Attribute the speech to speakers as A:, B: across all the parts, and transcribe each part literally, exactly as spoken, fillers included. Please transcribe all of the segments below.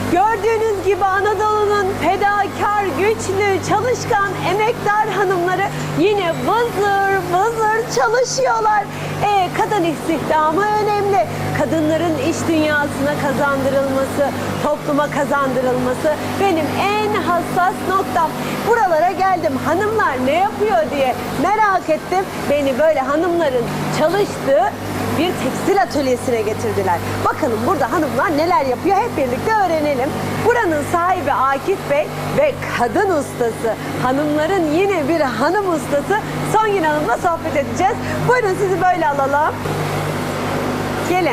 A: Gördüğünüz gibi Anadolu'nun fedakar, güçlü, çalışkan, emektar hanımları yine vızır vızır çalışıyorlar. E, kadın istihdamı önemli. Kadınların iş dünyasına kazandırılması, topluma kazandırılması benim en hassas noktam. Buralara geldim, hanımlar ne yapıyor diye merak ettim. Beni böyle hanımların çalıştığı bir tekstil atölyesine getirdiler. Bakalım burada hanımlar neler yapıyor, hep birlikte öğrenelim. Buranın sahibi Akif Bey ve kadın ustası, hanımların yine bir hanım ustası Songül Hanım'la sohbet edeceğiz. Buyurun sizi böyle alalım. Gelin.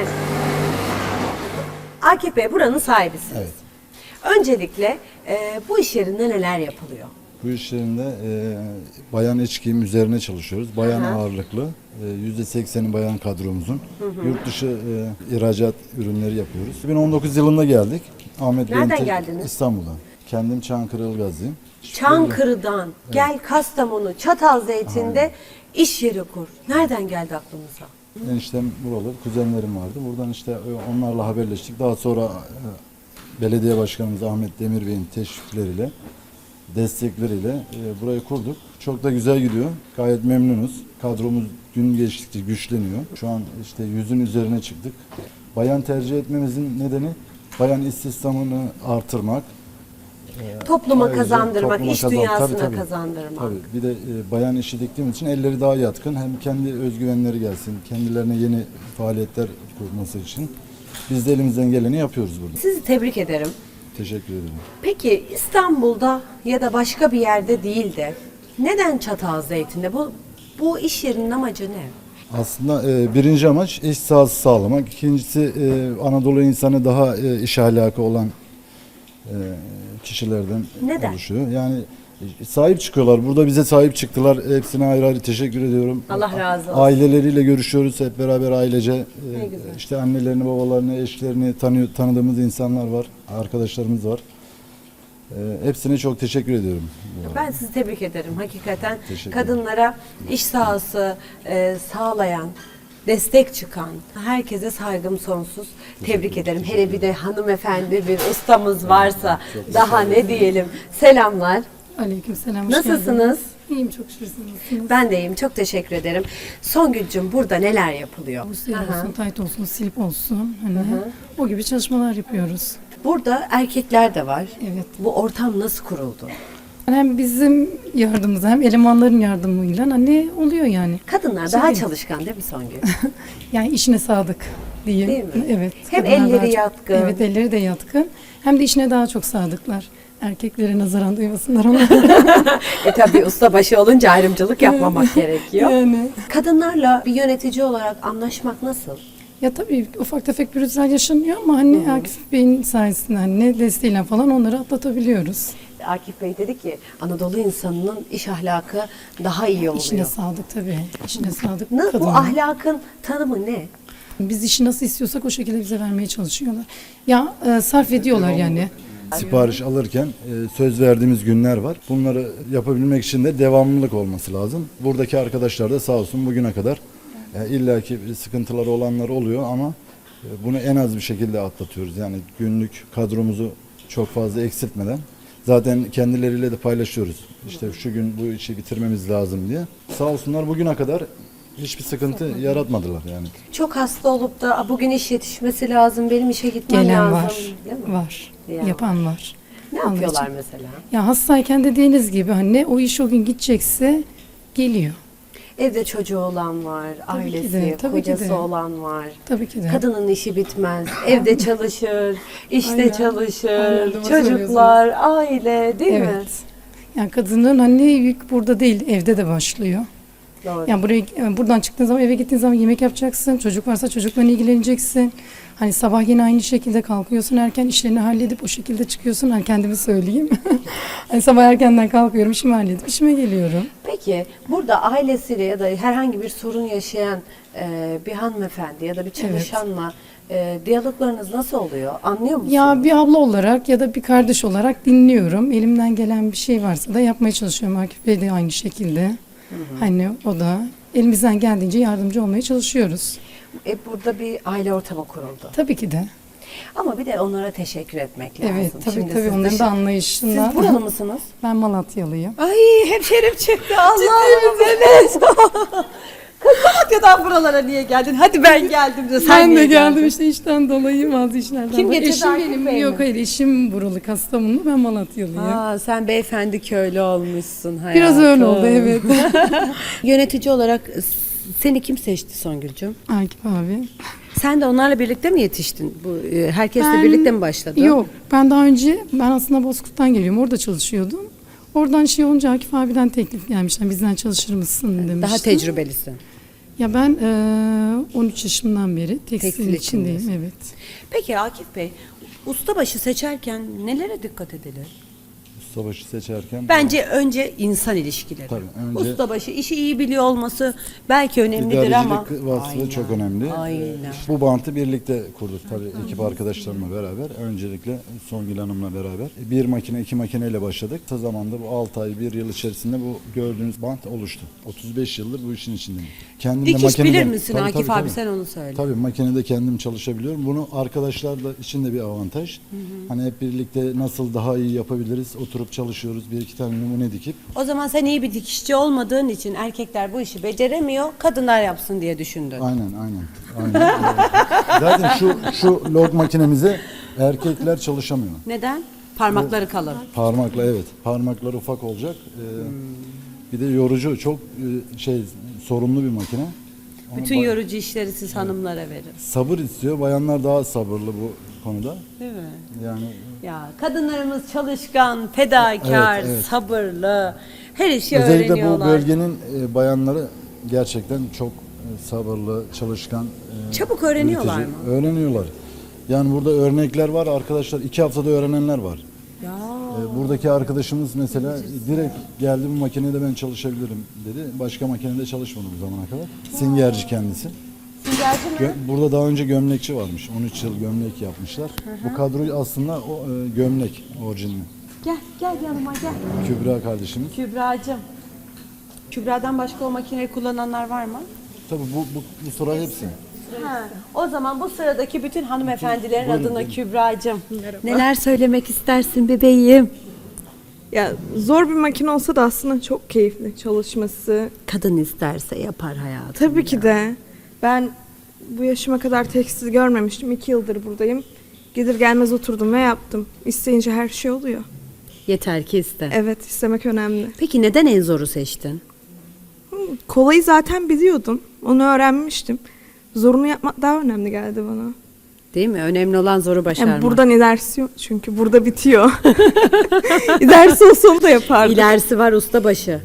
A: Akif Bey buranın sahibisiniz.
B: Evet.
A: Öncelikle e, bu iş yerinde neler yapılıyor?
B: Bu iş yerinde e, bayan iç giyim üzerine çalışıyoruz. Bayan
A: Aha.
B: ağırlıklı. E, yüzde sekseni bayan kadromuzun. Hı hı. Yurt dışı e, ihracat ürünleri yapıyoruz. iki bin on dokuz yılında geldik. Ahmet
A: Nereden
B: Bey'in te-
A: geldiniz?
B: İstanbul'dan. Kendim Çankırı Ilgazlıyım.
A: Çankırı'dan gel Kastamonu, Çatalzeytin'de iş yeri kur. Nereden geldi aklınıza?
B: Eniştem buralı, kuzenlerim vardı. Buradan işte e, onlarla haberleştik. Daha sonra e, belediye başkanımız Ahmet Demir Bey'in teşvikleriyle, destekleriyle e, burayı kurduk. Çok da güzel gidiyor. Gayet memnunuz. Kadromuz gün geçtikçe güçleniyor. Şu an işte yüzün üzerine çıktık. Bayan tercih etmemizin nedeni bayan istihdamını artırmak.
A: Topluma
B: Ayrıca
A: kazandırmak,
B: topluma
A: iş
B: kazan-
A: dünyasına
B: tabii, tabii.
A: kazandırmak.
B: Tabii. Bir de e, bayan işi diktiğimiz için elleri daha yatkın. Hem kendi özgüvenleri gelsin, kendilerine yeni faaliyetler kurması için biz de elimizden geleni yapıyoruz burada.
A: Sizi tebrik ederim.
B: Teşekkür ederim.
A: Peki İstanbul'da ya da başka bir yerde değil de neden Çatalzeytin'de? Bu, bu iş yerinin amacı ne?
B: Aslında e, birinci amaç iş sahası sağlamak. İkincisi e, Anadolu insanı daha e, iş ahlakı olan e, kişilerden
A: Neden?
B: oluşuyor. Yani e, sahip çıkıyorlar. Burada bize sahip çıktılar. Hepsine ayrı ayrı teşekkür ediyorum.
A: Allah razı olsun.
B: Aileleriyle görüşüyoruz hep beraber ailece. E,
A: Ne güzel.
B: işte annelerini, babalarını, eşlerini tanıyor, tanıdığımız insanlar var. Arkadaşlarımız var. E, hepsine çok teşekkür ediyorum.
A: Ben sizi tebrik ederim. Hakikaten
B: Teşekkür
A: kadınlara iş sahası e, sağlayan, destek çıkan herkese saygım sonsuz. Tebrik ederim. Hele bir de hanımefendi bir ustamız varsa daha ne diyelim. Selamlar.
C: Aleykümselam. hoş
A: Nasılsınız?
C: geldiniz. İyiyim çok şükür, siz nasılsınız?
A: Ben de iyiyim. Çok teşekkür ederim. Songül'cüm burada neler yapılıyor?
C: Bu siyah
A: Aha.
C: olsun, tayt olsun, silip olsun. Hani o gibi çalışmalar yapıyoruz.
A: Burada erkekler de var.
C: Evet.
A: Bu ortam nasıl kuruldu?
C: Hem bizim yardımımızla hem elemanların yardımıyla hani oluyor yani.
A: Kadınlar
C: Şey
A: daha
C: değil.
A: çalışkan değil mi Songül?
C: Yani işine sadık diyeyim.
A: Değil mi?
C: Evet.
A: Hem
C: kadınlar
A: elleri
C: daha çok-
A: yatkın.
C: Evet, elleri de yatkın. Hem de işine daha çok sadıklar. Erkeklere nazaran duymasınlar onu.
A: e tabii ustabaşı olunca ayrımcılık yapmamak gerekiyor.
C: Yani.
A: Kadınlarla bir yönetici olarak anlaşmak nasıl?
C: Ya tabii ufak tefek pürüzler yaşanıyor ama hani Akif Bey'in sayesinde hani ne desteğiyle falan onları atlatabiliyoruz.
A: Akif Bey dedi ki Anadolu insanının iş ahlakı daha iyi oluyor.
C: İşine sadık tabii. İşine sadık
A: Na- bu
C: kadınlar.
A: ahlakın tanımı ne?
C: Biz işi nasıl istiyorsak o şekilde bize vermeye çalışıyorlar. Ya e, sarf ediyorlar yani.
B: Sipariş alırken e, söz verdiğimiz günler var. Bunları yapabilmek için de devamlılık olması lazım. Buradaki arkadaşlar da sağ olsun bugüne kadar e, illaki bir sıkıntıları olanlar oluyor ama e, bunu en az bir şekilde atlatıyoruz. Yani günlük kadromuzu çok fazla eksiltmeden zaten kendileriyle de paylaşıyoruz. İşte şu gün bu işi bitirmemiz lazım diye. Sağ olsunlar bugüne kadar hiçbir sıkıntı yaratmadılar yani.
A: Çok hasta olup da "Aa, bugün iş yetişmesi lazım, benim işe gitmem
C: Gelen
A: lazım."
C: var.
A: Değil mi?
C: Var.
A: Ya.
C: Yapan var.
A: Ne
C: Onun
A: yapıyorlar
C: için-
A: mesela?
C: Ya hastayken dediğiniz gibi hani o iş o gün gidecekse geliyor.
A: Evde çocuğu olan var,
C: Tabii ki
A: ailesi,
C: de, tabii ki
A: kocası
C: de.
A: olan var.
C: Tabii ki de.
A: Kadının işi bitmez. Evde çalışır, işte
C: Aynen.
A: çalışır,
C: Aynen, doğru
A: çocuklar, aile değil mi?
C: Evet. Yani kadının hani yük burada değil, evde de başlıyor.
A: Doğru.
C: Yani buraya yani buradan çıktığın zaman eve gittiğin zaman yemek yapacaksın. Çocuk varsa çocukla ilgileneceksin. Hani sabah yine aynı şekilde kalkıyorsun, erken işlerini halledip o şekilde çıkıyorsun. Hani kendimi söyleyeyim. Hani sabah erkenden kalkıyorum, işimi halledip işime geliyorum.
A: Peki burada ailesiyle ya da herhangi bir sorun yaşayan e, bir hanımefendi ya da bir çalışanla e, diyaloglarınız nasıl oluyor? Anlıyor musunuz?
C: Ya bir abla olarak ya da bir kardeş olarak dinliyorum. Elimden gelen bir şey varsa da yapmaya çalışıyorum. Akif Bey de aynı şekilde. Hani o da elimizden geldiğince yardımcı olmaya çalışıyoruz.
A: E, burada bir aile ortamı kuruldu.
C: Tabii ki de.
A: Ama bir de onlara teşekkür etmek lazım.
C: Evet tabii
A: Şimdi
C: tabii
A: siz
C: onların
A: dışı-
C: da anlayışından.
A: Siz buralı mısınız?
C: Ben Malatyalıyım.
A: Ay hemşerim çıktı Allah'ım evet. Kız Malatya'dan buralara niye geldin? Hadi ben geldim de sen
C: Ben
A: niye
C: de geldim
A: geldin?
C: işte işten dolayı bazı işlerden.
A: Kim
C: dolayı.
A: getirdi,
C: Eşim
A: Akif
C: benim.
A: Bey mi?
C: Yok hayır eşim buralı Kastamonlu, ben Malatyalıyım.
A: Aa, sen beyefendi köylü olmuşsun hayatım.
C: Biraz öyle oldu evet.
A: Yönetici olarak seni kim seçti Songül'cüm?
C: Akif abi.
A: Sen de onlarla birlikte mi yetiştin? Bu e, herkesle
C: Ben-
A: birlikte mi başladın?
C: Yok ben daha önce ben aslında Bozkurt'tan geliyorum, orada çalışıyordum. Oradan şey olunca Akif abiden teklif gelmiş. Yani bizden çalışır mısın demişti.
A: Daha tecrübelisin.
C: Ya ben eee, on üç yaşımdan beri tekstil,
A: Tekstil
C: içindeyim
A: içindesin.
C: evet.
A: Peki Akif Bey, ustabaşı seçerken nelere dikkat edilir?
B: Ustabaşı seçerken
A: Bence önce insan ilişkileri.
B: Tabii, önce-
A: Ustabaşı işi iyi biliyor olması belki önemlidir ama.
B: İdarecilik vasfı
A: Aynen,
B: çok önemli.
A: Aynen.
B: Bu bantı birlikte kurduk tabii ekip arkadaşlarımla beraber. Öncelikle Songül Hanım'la beraber. Bir makine, iki makineyle başladık. Kısa zamanda bu altı ay, bir yıl içerisinde bu gördüğünüz bant oluştu. otuz beş yıldır bu işin içindeyim. Kendim de
A: Dikiş bilir
B: makineden-
A: misin
B: Tabii,
A: Akif
B: tabii,
A: abi
B: tabii.
A: sen onu söyle.
B: Tabii makinede kendim çalışabiliyorum. Bunu arkadaşlar da için de bir avantaj. Hani hep birlikte nasıl daha iyi yapabiliriz oturup çalışıyoruz. Bir iki tane numune dikip.
A: O zaman sen iyi bir dikişçi olmadığın için erkekler bu işi beceremiyor, kadınlar yapsın diye düşündün.
B: Aynen aynen. aynen. Evet. Zaten şu şu log makinemize erkekler çalışamıyor.
A: Neden? Parmakları kalın.
B: Parmakla evet. Parmaklar ufak olacak. Ee, Bir de yorucu çok e, şey sorumlu bir makine. Onu
A: Bütün
B: ba-
A: yorucu işleri siz hanımlara verin.
B: sabır istiyor. Bayanlar daha sabırlı bu konuda.
A: Değil mi?
B: Yani
A: Ya kadınlarımız çalışkan, fedakar,
B: Evet, evet.
A: sabırlı, her işi
B: özellikle bu
A: öğreniyorlar.
B: bölgenin e, bayanları gerçekten çok e, sabırlı, çalışkan. e,
A: Çabuk öğreniyorlar
B: üretici.
A: mı?
B: Öğreniyorlar. Yani burada örnekler var arkadaşlar. iki haftada öğrenenler var.
A: Ya.
B: E, Buradaki arkadaşımız mesela direkt geldi bu makinede ben çalışabilirim dedi. Başka makinede çalışmadı bu zamana kadar. Singerci kendisi.
A: Singerci mi?
B: Gö- Burada daha önce gömlekçi varmış. on üç yıl gömlek yapmışlar. Bu kadroyu aslında o e, gömlek orijinali.
A: Gel, gel yanıma gel.
B: Kübra kardeşimiz.
A: Kübra'cığım. Kübra'dan başka o makineyi kullananlar var mı?
B: Tabii bu, bu, bu sıra hepsi.
A: Ha, o zaman bu sıradaki bütün hanımefendilerin
B: Buyurun,
A: adına
B: buyurun.
A: Kübra'cığım. Neler söylemek istersin bebeğim?
D: Ya zor bir makine olsa da aslında çok keyifli çalışması.
A: Kadın isterse yapar hayatım.
D: Tabii ki de. Ben bu yaşıma kadar tekstil görmemiştim. İki yıldır buradayım. Gelir gelmez oturdum ve yaptım. İsteyince her şey oluyor.
A: Yeter ki iste.
D: Evet, istemek önemli.
A: Peki neden en zoru seçtin?
D: Kolayı zaten biliyordum. Onu öğrenmiştim. Zorunu yapmak daha önemli geldi bana.
A: Değil mi? Önemli olan zoru başarmak.
D: Yani buradan ilerisi yok çünkü burada bitiyor. İlerisi olsa onu da yapardım.
A: İlerisi var ustabaşı.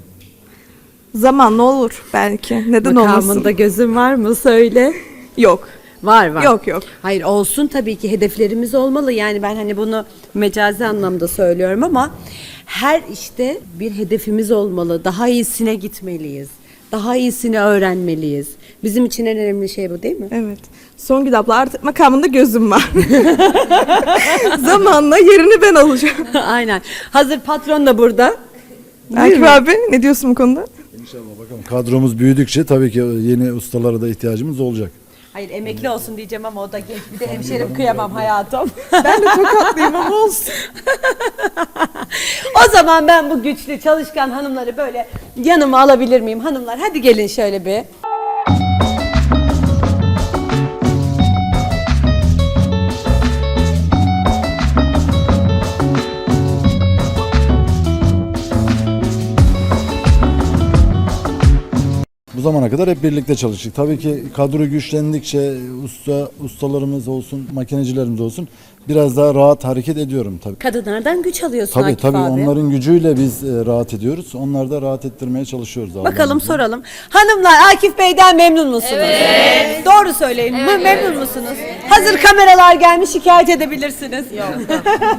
D: Zamanla olur belki. Neden
A: Makamında
D: olmasın?
A: gözün var mı? Söyle.
D: Yok.
A: Var var.
D: Yok yok.
A: Hayır olsun tabii ki hedeflerimiz olmalı. Yani ben hani bunu mecazi anlamda söylüyorum ama her işte bir hedefimiz olmalı. Daha iyisine gitmeliyiz. Daha iyisini öğrenmeliyiz. Bizim için en önemli şey bu değil mi?
D: Evet. Songül abla artık makamında gözüm var. Zamanla yerini ben alacağım.
A: Aynen. Hazır patron da burada.
D: Akif abi ne diyorsun bu konuda?
B: İnşallah bakalım. Kadromuz büyüdükçe tabii ki yeni ustalara da ihtiyacımız olacak.
A: Hayır emekli olsun diyeceğim ama o da genç. Bir de hemşerim kıyamam hayatım.
D: Ben de tokatlıyım ama olsun.
A: O zaman ben bu güçlü çalışkan hanımları böyle yanıma alabilir miyim? Hanımlar hadi gelin şöyle bir.
B: Bu zamana kadar hep birlikte çalıştık. Tabii ki kadro güçlendikçe usta ustalarımız olsun, makinecilerimiz olsun biraz daha rahat hareket ediyorum tabii.
A: Kadınlardan güç alıyorsun
B: Tabii
A: Akif
B: tabii
A: abi.
B: onların gücüyle biz e, rahat ediyoruz. Onları da rahat ettirmeye çalışıyoruz. Allah'ın
A: Bakalım
B: izniyle.
A: soralım. Hanımlar Akif Bey'den memnun musunuz? Evet. Doğru söyleyin. Mı- Memnun musunuz? Hazır kameralar gelmiş şikayet edebilirsiniz. Yok.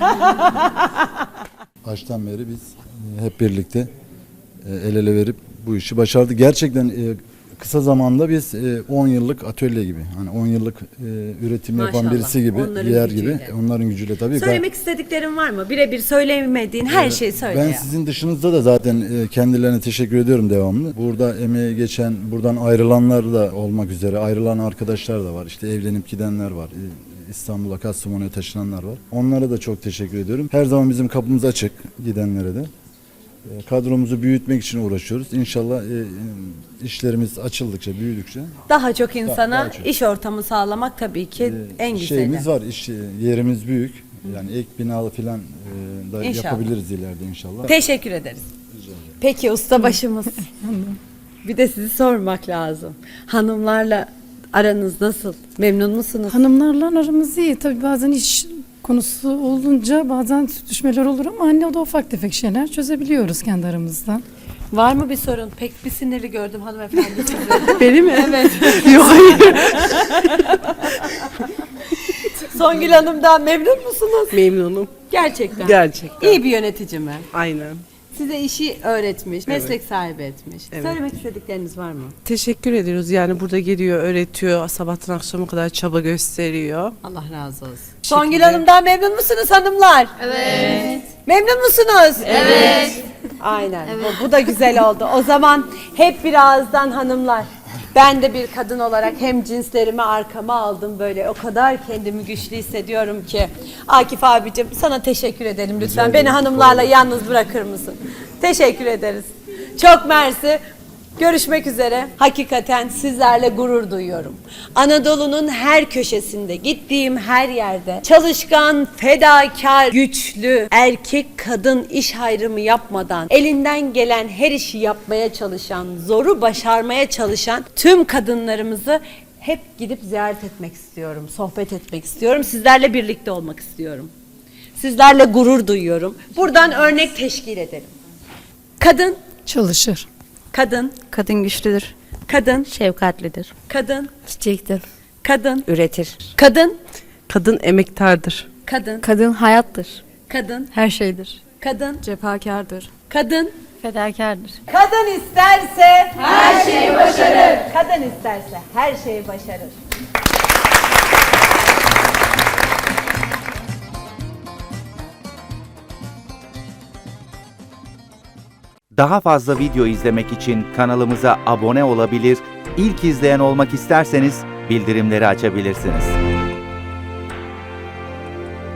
B: Baştan beri biz e, hep birlikte e, el ele verip bu işi başardık. Gerçekten e, kısa zamanda biz e, on yıllık atölye gibi, hani on yıllık e, üretim yapan
A: Maşallah,
B: birisi gibi,
A: onların
B: bir yer
A: gücüyle.
B: gibi, onların gücüyle tabii.
A: Söylemek istediklerin var mı? Birebir söylemediğin her şeyi söyle
B: Ben
A: ya.
B: sizin dışınızda da zaten e, kendilerine teşekkür ediyorum devamlı. Burada emeği geçen, buradan ayrılanlar da olmak üzere ayrılan arkadaşlar da var. İşte evlenip gidenler var. E, İstanbul'a, Kastamonu'ya taşınanlar var. Onlara da çok teşekkür ediyorum. Her zaman bizim kapımız açık gidenlere de. E, kadromuzu büyütmek için uğraşıyoruz. İnşallah e, işlerimiz açıldıkça, büyüdükçe
A: Daha çok insana
B: daha çok.
A: iş ortamı sağlamak tabii ki
B: e,
A: en güzeli.
B: şeyimiz var. İş yerimiz büyük. Yani ek binalı falan e, da
A: İnşallah.
B: yapabiliriz ileride inşallah.
A: Teşekkür ederiz. Peki ustabaşımız. Bir de sizi sormak lazım. Hanımlarla aranız nasıl? Memnun musunuz?
C: Hanımlarla aramız iyi. Tabii bazen iş konusu olunca bazen düşmeler olur ama anne o da ufak tefek şeyler çözebiliyoruz kendi aramızda.
A: Var mı bir sorun? Pek bir sinirli gördüm hanımefendi sizi.
E: Beni mi?
A: Evet.
E: Yok hayır.
A: Songül Hanım'dan memnun musunuz?
E: Memnunum.
A: Gerçekten.
E: Gerçekten.
A: İyi bir yönetici mi?
E: Aynen.
A: Size işi öğretmiş, meslek sahibi etmiş.
E: Evet.
A: Söylemek istedikleriniz var mı?
E: Teşekkür ediyoruz. Yani burada geliyor, öğretiyor. Sabahtan akşama kadar çaba gösteriyor.
A: Allah razı olsun. Songül Hanım'dan memnun musunuz hanımlar? Evet. Memnun musunuz? Evet. Aynen. Bu, bu da güzel oldu. O zaman hep birazdan hanımlar. Ben de bir kadın olarak hem cinslerimi arkama aldım böyle. O kadar kendimi güçlü hissediyorum ki. Akif abicim sana teşekkür edelim lütfen. Beni hanımlarla yalnız bırakır mısın? Teşekkür ederiz. Çok mersi. Görüşmek üzere. Hakikaten sizlerle gurur duyuyorum. Anadolu'nun her köşesinde, gittiğim her yerde çalışkan, fedakar, güçlü, erkek kadın iş ayrımı yapmadan elinden gelen her işi yapmaya çalışan, zoru başarmaya çalışan tüm kadınlarımızı hep gidip ziyaret etmek istiyorum, sohbet etmek istiyorum, sizlerle birlikte olmak istiyorum. Sizlerle gurur duyuyorum. Buradan örnek teşkil edelim. Kadın,
C: Çalışır.
A: kadın,
F: Kadın güçlüdür,
A: kadın,
F: şefkatlidir,
A: kadın,
F: çiçektir,
A: kadın,
F: üretir.
A: kadın,
E: Kadın emektardır.
A: kadın,
F: Kadın hayattır,
A: kadın,
F: her şeydir.
A: kadın,
F: Cefakardır,
A: kadın.
F: fedakardır.
A: Kadın isterse her şeyi başarır. Kadın isterse her şeyi başarır.
G: Daha fazla video izlemek için kanalımıza abone olabilir, ilk izleyen olmak isterseniz bildirimleri açabilirsiniz.